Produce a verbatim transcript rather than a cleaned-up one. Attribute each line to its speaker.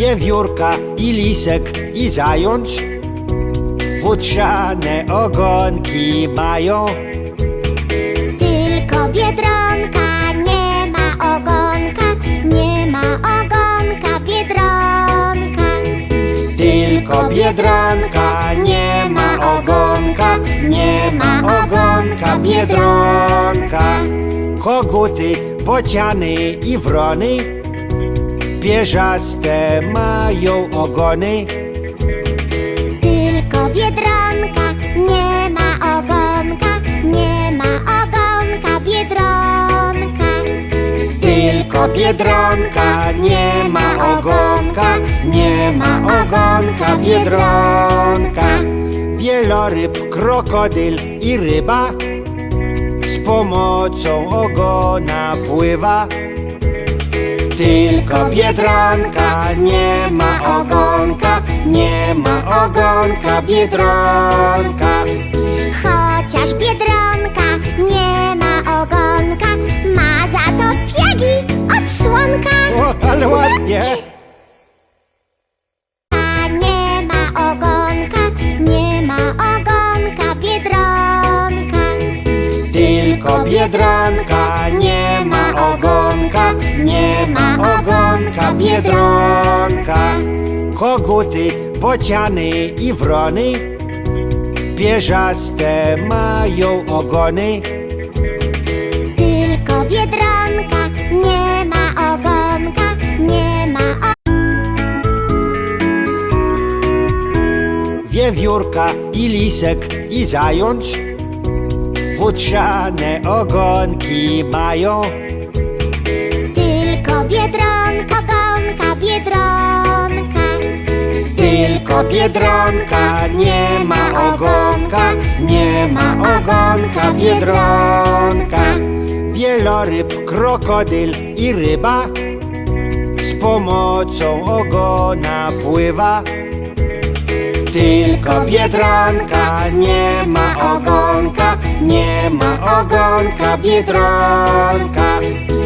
Speaker 1: Wiewiórka i lisek i zając futrzane ogonki mają.
Speaker 2: Tylko Biedronka nie ma ogonka, nie ma ogonka Biedronka.
Speaker 1: Tylko Biedronka nie ma ogonka, nie ma ogonka Biedronka. Koguty, bociany i wrony pierzaste mają ogony.
Speaker 2: Tylko Biedronka nie ma ogonka, nie ma ogonka Biedronka.
Speaker 1: Tylko Biedronka nie ma ogonka, nie ma ogonka Biedronka. Wieloryb, krokodyl i ryba z pomocą ogona pływa. Tylko Biedronka nie ma ogonka, nie ma ogonka Biedronka.
Speaker 2: Chociaż Biedronka nie ma ogonka, ma za to piegi od słonka.
Speaker 1: O, ale ładnie!
Speaker 2: A nie ma ogonka, nie ma ogonka Biedronka.
Speaker 1: Tylko Biedronka nie ma ogonka, nie ma ogonka Biedronka. Koguty, bociany i wrony pierzaste mają ogony.
Speaker 2: Tylko Biedronka nie ma ogonka, nie ma ogonka.
Speaker 1: Wiewiórka i lisek i zając futrzane ogonki mają.
Speaker 2: Tylko Biedronka, ogonka Biedronka.
Speaker 1: Tylko Biedronka nie ma ogonka, nie ma ogonka Biedronka. Wieloryb, krokodyl i ryba z pomocą ogona pływa. Tylko Biedronka nie ma ogonka, nie ma ogonka Biedronka.